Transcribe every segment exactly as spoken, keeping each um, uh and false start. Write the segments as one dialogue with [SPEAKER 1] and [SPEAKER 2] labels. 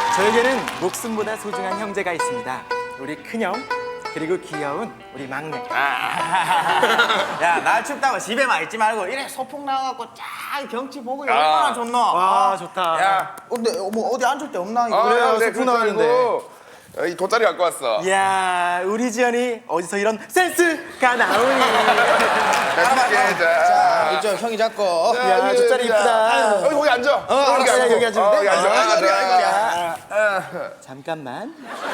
[SPEAKER 1] 저에게는 목숨보다 소중한 형제가 있습니다. 우리 큰형 그리고 귀여운 우리 막내.
[SPEAKER 2] 야, 날 춥다고 집에만 있지 말고 이래 소풍 나와갖고 쫙 경치 보고
[SPEAKER 3] 아.
[SPEAKER 2] 얼마나 좋노?
[SPEAKER 1] 와 좋다.
[SPEAKER 2] 야, 근데 뭐 어디 앉을 데 없나? 이거?
[SPEAKER 3] 아,
[SPEAKER 1] 그래요,
[SPEAKER 3] 네,
[SPEAKER 1] 소풍
[SPEAKER 3] 그러지
[SPEAKER 1] 나가는데.
[SPEAKER 3] 말고, 어, 이 돗자리 갖고 왔어.
[SPEAKER 1] 이야 우리 지연이 어디서 이런 센스가 나오니.
[SPEAKER 3] 맛있게 자.
[SPEAKER 2] 자, 이쪽 형이 잡고.
[SPEAKER 3] 자,
[SPEAKER 1] 야,
[SPEAKER 3] 여기,
[SPEAKER 1] 돗자리
[SPEAKER 3] 자.
[SPEAKER 1] 이쁘다.
[SPEAKER 3] 여기 거기 앉아. 어,
[SPEAKER 1] 여기 앉아, 여기 앉으면 돼?
[SPEAKER 3] 여기 앉아.
[SPEAKER 1] 아,
[SPEAKER 3] 아,
[SPEAKER 1] 여기,
[SPEAKER 3] 자.
[SPEAKER 1] 여기. 잠깐만.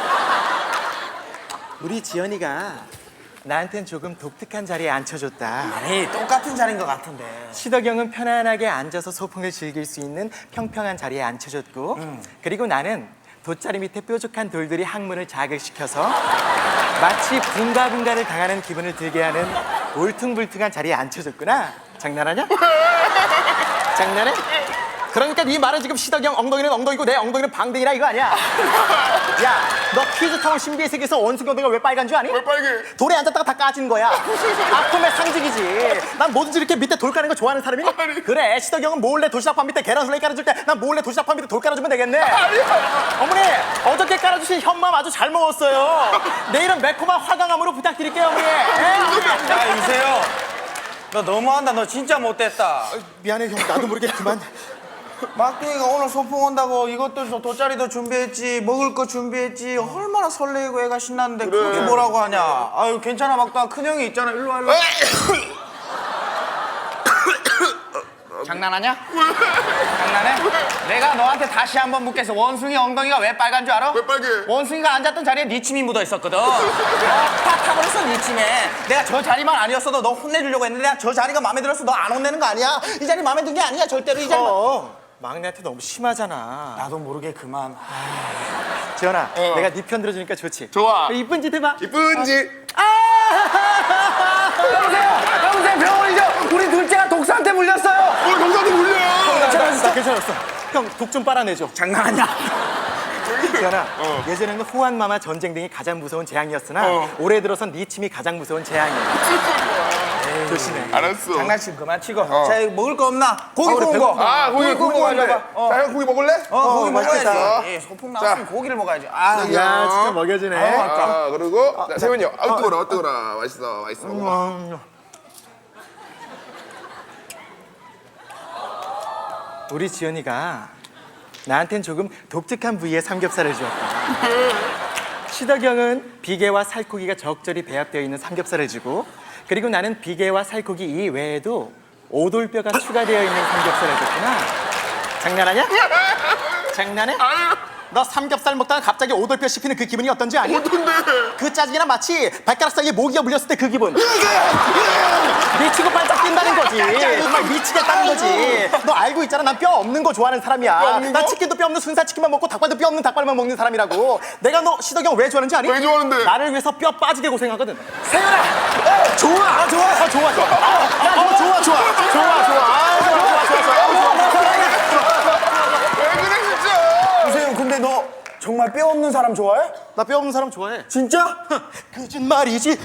[SPEAKER 1] 우리 지연이가 나한텐 조금 독특한 자리에 앉혀줬다.
[SPEAKER 2] 아니, 똑같은 자리인 것 같은데.
[SPEAKER 1] 시덕형은 편안하게 앉아서 소풍을 즐길 수 있는 평평한 자리에 앉혀줬고 그리고 나는 돗자리 밑에 뾰족한 돌들이 항문을 자극시켜서 마치 붕가붕가를 당하는 기분을 들게 하는 울퉁불퉁한 자리에 앉혀줬구나. 장난하냐? 장난해? 그러니까 네 말은 지금 시덕형 엉덩이는 엉덩이고 내 엉덩이는 방댕이라 이거 아니야? 야, 너 퀴즈타운 신비의 세계에서 원숭이 엉덩이가 왜 빨간 줄 아니?
[SPEAKER 3] 왜 빨개?
[SPEAKER 1] 돌에 앉았다가 다 까진 거야. 아픔의 상징이지. 난 뭐든지 이렇게 밑에 돌 까는 거 좋아하는 사람이니?
[SPEAKER 3] 아니.
[SPEAKER 1] 그래, 시덕이 형은 몰래 도시락판 밑에 계란 슬레이 깔아줄 때 난 몰래 도시락판 밑에 돌 깔아주면 되겠네. 어머니, 어저께 깔아주신 현맘 아주 잘 먹었어요. 내일은 매콤한 화강암으로 부탁드릴게요, 어머니. 예?
[SPEAKER 2] 야, 유세요. 너 너무한다. 너 진짜 못됐다.
[SPEAKER 1] 미안해, 형. 나도 모르게 그만.
[SPEAKER 2] 막둥이가 오늘 소풍 온다고 이것도 저 돗자리도 준비했지, 먹을 거 준비했지. 얼마나 설레고 애가 신났는데
[SPEAKER 3] 그래.
[SPEAKER 2] 그렇게 뭐라고 하냐. 아유, 괜찮아, 막둥아. 큰형이 있잖아. 일로 와, 일로 와. 장난하냐? 장난해? 내가 너한테 다시 한번 묻겠어. 원숭이 엉덩이가 왜 빨간 줄 알아?
[SPEAKER 3] 왜 빨개?
[SPEAKER 2] 원숭이가 앉았던 자리에 네 침이 묻어 있었거든. 어, 다 타버렸어, 네 침에. 내가 저 자리만 아니었어도 너 혼내주려고 했는데 내가 저 자리가 마음에 들어서 너 안 혼내는 거 아니야? 이 자리 마음에 든 게 아니야, 절대로 이 자리.
[SPEAKER 1] 어, 막내한테 너무 심하잖아.
[SPEAKER 2] 나도 모르게 그만.
[SPEAKER 1] 지연아,
[SPEAKER 3] 어.
[SPEAKER 1] 내가 네 편 들어주니까 좋지?
[SPEAKER 3] 좋아.
[SPEAKER 1] 이쁜 짓 해봐.
[SPEAKER 3] 이쁜지.
[SPEAKER 2] 여보세요! 여보세요! 병원이죠! 우리 둘째가 독사한테 물렸어요!
[SPEAKER 3] 오늘 동사도 물려.
[SPEAKER 1] 괜찮았어, 괜찮았어. 형, 독 좀 빨아내줘.
[SPEAKER 2] 장난하냐?
[SPEAKER 1] 지연아,
[SPEAKER 3] 어.
[SPEAKER 1] 예전에는 호환마마 전쟁 등이 가장 무서운 재앙이었으나
[SPEAKER 3] 어.
[SPEAKER 1] 올해 들어선 네 침이 가장 무서운 재앙이야. 조심해.
[SPEAKER 3] 알았어.
[SPEAKER 2] 장난침 그만 치고. 자, 이거 먹을 거 없나? 고기
[SPEAKER 1] 아, 우리
[SPEAKER 2] 구운 거.
[SPEAKER 3] 아, 고기
[SPEAKER 2] 구운 거
[SPEAKER 3] 궁금한데.
[SPEAKER 2] 가져봐. 어,
[SPEAKER 3] 자, 형 고기 먹을래?
[SPEAKER 2] 어, 고기
[SPEAKER 1] 맛있겠다.
[SPEAKER 2] 먹어야지. 예, 소풍 나왔으면
[SPEAKER 3] 자.
[SPEAKER 2] 고기를 먹어야지. 아,
[SPEAKER 1] 야, 진짜 먹여주네.
[SPEAKER 3] 아, 그리고 자, 세훈이 형. 아우 뜨거라, 뜨거라. 맛있어, 맛있어. 먹어봐.
[SPEAKER 1] 음. 우리 지연이가 나한텐 조금 독특한 부위의 삼겹살을 주었다. 시덕형은 비계와 살코기가 적절히 배합되어 있는 삼겹살을 주고 그리고 나는 비계와 살코기 이외에도 오돌뼈가 추가되어 있는 삼겹살을 줬구나. 장난하냐? 장난해? 너 삼겹살 먹다가 갑자기 오돌뼈 씹히는 그 기분이 어떤지 아니?
[SPEAKER 3] 어떤데?
[SPEAKER 1] 그 짜증이나 마치 발가락 사이에 모기가 물렸을 때 그 기분. 미치고 반짝 뛴다는 거지. 정말 미치겠다는 거지. 너 알고 있잖아. 난 뼈 없는 거 좋아하는 사람이야.
[SPEAKER 3] 없는 거?
[SPEAKER 1] 난 치킨도 뼈 없는 순살 치킨만 먹고 닭발도 뼈 없는 닭발만 먹는 사람이라고. 내가 너 시덕이 형 왜 좋아하는지 아니?
[SPEAKER 3] 왜 좋아하는데?
[SPEAKER 1] 나를 위해서 뼈 빠지게 고생하거든.
[SPEAKER 2] 세윤아! 어,
[SPEAKER 1] 좋아. 아, 좋아. 아, 좋아. 좋아. 아, 야, 좋아. 좋아. 좋아. 좋아. 좋아. 아, 좋아. 좋아. 좋아. 좋아.
[SPEAKER 3] 왜 그래 진짜?
[SPEAKER 2] 유세윤, 근데 너 정말 뼈 없는 사람 좋아해?
[SPEAKER 1] 나 뼈 없는 사람 좋아해.
[SPEAKER 2] 진짜?
[SPEAKER 1] 거짓말이지.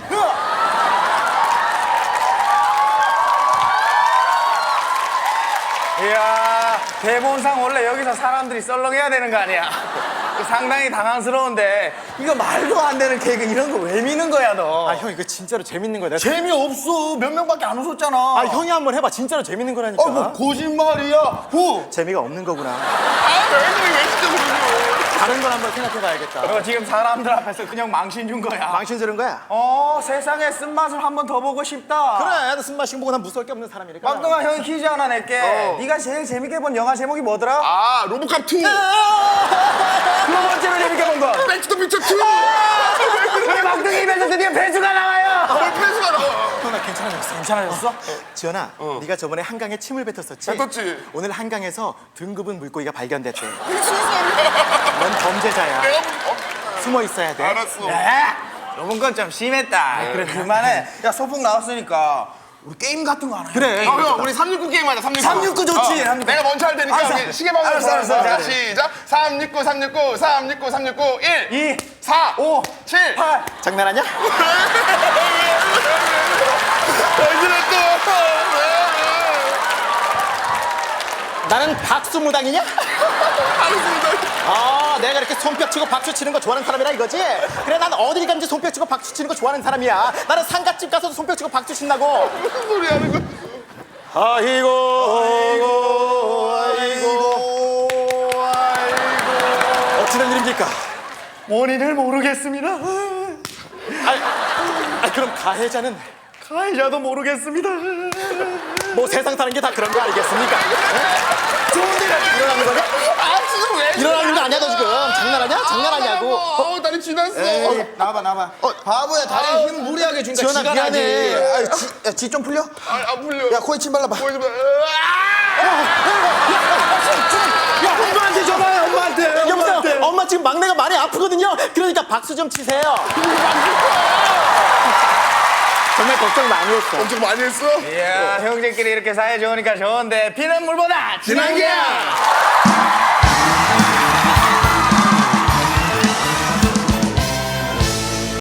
[SPEAKER 2] 이야, 대본상 원래 여기서 사람들이 썰렁해야 되는 거 아니야? 상당히 당황스러운데 이거 말도 안 되는 개그 이런 거 왜 미는 거야 너?
[SPEAKER 1] 아, 형 이거 진짜로 재밌는 거야. 내가
[SPEAKER 2] 재미없어. 몇 명밖에 안 웃었잖아.
[SPEAKER 1] 아, 형이 한번 해봐. 진짜로 재밌는 거라니까.
[SPEAKER 2] 어, 뭐 거짓말이야. 후.
[SPEAKER 1] 재미가 없는 거구나.
[SPEAKER 3] 아, 왜 그래? 왜 진짜 그러냐?
[SPEAKER 1] 다른 걸 한번 생각해봐야겠다.
[SPEAKER 2] 너 지금 사람들 앞에서 그냥 망신 준 거야.
[SPEAKER 1] 망신 주는 거야?
[SPEAKER 2] 어, 세상에 쓴맛을 한 번 더 보고 싶다.
[SPEAKER 1] 그래, 나 숨 마시고 보고 난 무서울 게 없는 사람이니까.
[SPEAKER 2] 막둥아, 형이 퀴즈 하나 낼게.
[SPEAKER 3] 어.
[SPEAKER 2] 네가 제일 재밌게 본 영화 제목이 뭐더라?
[SPEAKER 3] 아, 로보캅 투.
[SPEAKER 2] 두 번째로 재밌게 본 거.
[SPEAKER 3] 백투더 퓨처 투.
[SPEAKER 2] 우리 막둥이 입에서 드디어 배주가 나와요.
[SPEAKER 3] 왜 패스가 나와?
[SPEAKER 1] 형, 나 괜찮아졌어.
[SPEAKER 2] 괜찮아졌어?
[SPEAKER 1] 지연아, 네가 저번에 한강에 침을 뱉었었지?
[SPEAKER 3] 뱉었지.
[SPEAKER 1] 오늘 한강에서 등급은 물고기가 발견됐대. 넌 범죄자야.
[SPEAKER 3] 내가 어,
[SPEAKER 1] 숨어 있어야 돼.
[SPEAKER 3] 알았어.
[SPEAKER 2] 야, 요번 건 좀 심했다. 그래, 그만해. 야, 소풍 나왔으니까 우리 게임 같은 거 하나 해.
[SPEAKER 1] 그래.
[SPEAKER 3] 어, 형, 우리 삼육구 게임 하자, 삼육구.
[SPEAKER 2] 삼육구 좋지,
[SPEAKER 3] 어,
[SPEAKER 2] 삼육구.
[SPEAKER 3] 내가 먼저 할 테니까
[SPEAKER 2] 알았어.
[SPEAKER 3] 우리 시계 방향
[SPEAKER 2] 알았어, 알았어.
[SPEAKER 3] 자,
[SPEAKER 2] 그래.
[SPEAKER 3] 시작. 삼육구, 삼육구, 삼육구, 삼육구, 일,
[SPEAKER 2] 이,
[SPEAKER 3] 사,
[SPEAKER 2] 오,
[SPEAKER 3] 칠.
[SPEAKER 2] 팔.
[SPEAKER 1] 장난하냐?
[SPEAKER 3] 왜 그래 또?
[SPEAKER 1] 나는 박수무당이냐?
[SPEAKER 3] 알겠습니다.
[SPEAKER 1] 아, 내가 이렇게 손뼉 치고 박수 치는 거 좋아하는 사람이라 이거지? 그래, 난 어딜 가든지 손뼉 치고 박수 치는 거 좋아하는 사람이야. 나는 상갓집 가서도 손뼉 치고 박수 친다고.
[SPEAKER 3] 무슨 소리 하는 거야?
[SPEAKER 1] 아이고, 아이고, 아이고, 아이고. 어찌된 일입니까?
[SPEAKER 4] 원인을 모르겠습니다.
[SPEAKER 1] 아, 아, 그럼 가해자는
[SPEAKER 4] 가해자도 모르겠습니다.
[SPEAKER 1] 뭐 세상 사는 게 다 그런 거 아니겠습니까? 에? 좋은데 일어나는 거냐?
[SPEAKER 3] 아, 지금 왜?
[SPEAKER 1] 일어나는 거 아니야, 너 지금? 장난하냐? 장난하냐고.
[SPEAKER 3] 어, 어, 다리 지났어.
[SPEAKER 2] 나와봐 나와봐. 바보야 다리에 힘 무리하게 주니까
[SPEAKER 1] 지원아,
[SPEAKER 2] 지가
[SPEAKER 1] 미안해.
[SPEAKER 2] 나지. 지 좀 풀려?
[SPEAKER 3] 아, 안 풀려.
[SPEAKER 2] 야 코에 침 발라봐.
[SPEAKER 3] 코에 좀.
[SPEAKER 1] 야, 엄마한테 전화해, 엄마한테. 여보세요, 엄마 지금 막내가 많이 아프거든요. 그러니까 박수 좀 치세요. 정말 걱정 많이 했어.
[SPEAKER 3] 엄청 많이 했어?
[SPEAKER 4] 이야, 형제끼리 이렇게 사이 좋으니까 좋은데 피는 물보다 진한 게야.